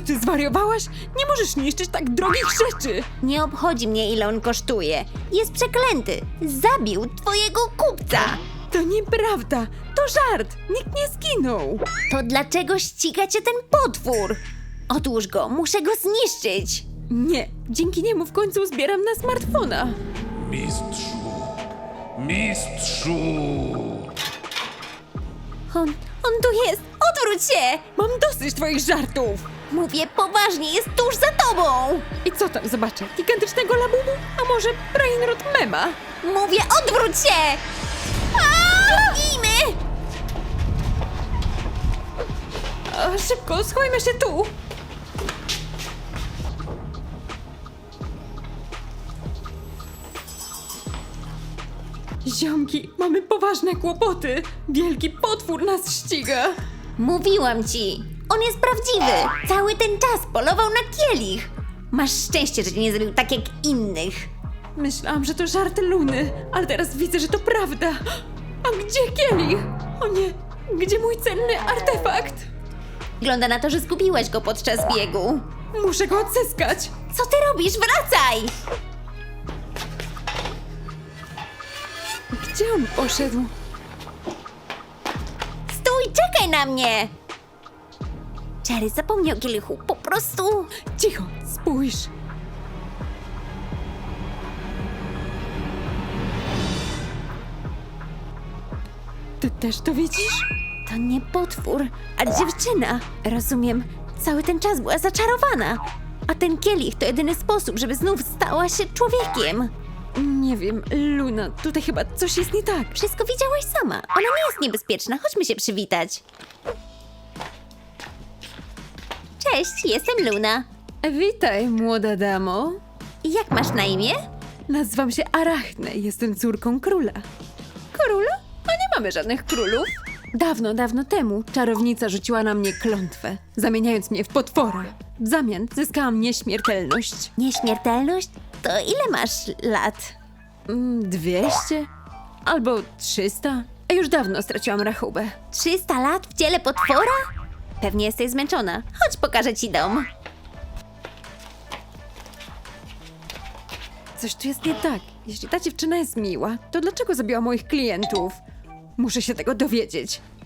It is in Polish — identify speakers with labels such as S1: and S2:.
S1: Czy zwariowałaś? Nie możesz niszczyć tak drogich rzeczy!
S2: Nie obchodzi mnie, ile on kosztuje. Jest przeklęty. Zabił twojego kupca.
S1: To nieprawda! To żart! Nikt nie zginął!
S2: To dlaczego ściga cię ten potwór? Odłóż go, muszę go zniszczyć.
S1: Nie, dzięki niemu w końcu zbieram na smartfona.
S3: Mistrzu! Mistrzu!
S2: On tu jest! Odwróć się!
S1: Mam dosyć twoich żartów!
S2: Mówię poważnie, jest tuż za tobą!
S1: I co tam zobaczę? Gigantycznego labubu? A może brainrot mema?
S2: Mówię, odwróć się! Biegnijmy!
S1: A, szybko, schowajmy się tu! Ziomki, mamy poważne kłopoty! Wielki potwór nas ściga!
S2: Mówiłam ci! On jest prawdziwy! Cały ten czas polował na kielich! Masz szczęście, że cię nie zabił tak jak innych!
S1: Myślałam, że to żart Luny, ale teraz widzę, że to prawda. A gdzie kielich? O nie, gdzie mój cenny artefakt?
S2: Wygląda na to, że zgubiłeś go podczas biegu.
S1: Muszę go odzyskać.
S2: Co ty robisz? Wracaj!
S1: Gdzie on poszedł?
S2: Stój, czekaj na mnie! Jerry zapomniał o kielichu, po prostu...
S1: Cicho, spójrz. Ty też to widzisz?
S2: To nie potwór, a dziewczyna. Rozumiem, cały ten czas była zaczarowana. A ten kielich to jedyny sposób, żeby znów stała się człowiekiem.
S1: Nie wiem, Luna, tutaj chyba coś jest nie tak.
S2: Wszystko widziałaś sama. Ona nie jest niebezpieczna. Chodźmy się przywitać. Cześć, jestem Luna.
S1: Witaj, młoda damo.
S2: Jak masz na imię?
S1: Nazywam się Arachne, jestem córką króla. Króla? A nie mamy żadnych królów. Dawno, dawno temu czarownica rzuciła na mnie klątwę, zamieniając mnie w potwora. W zamian zyskałam nieśmiertelność.
S2: Nieśmiertelność? To ile masz lat?
S1: 200? Albo 300? A już dawno straciłam rachubę.
S2: 300 lat w ciele potwora? Pewnie jesteś zmęczona. Chodź, pokażę ci dom.
S1: Coś tu jest nie tak. Jeśli ta dziewczyna jest miła, to dlaczego zabiła moich klientów? Muszę się tego dowiedzieć.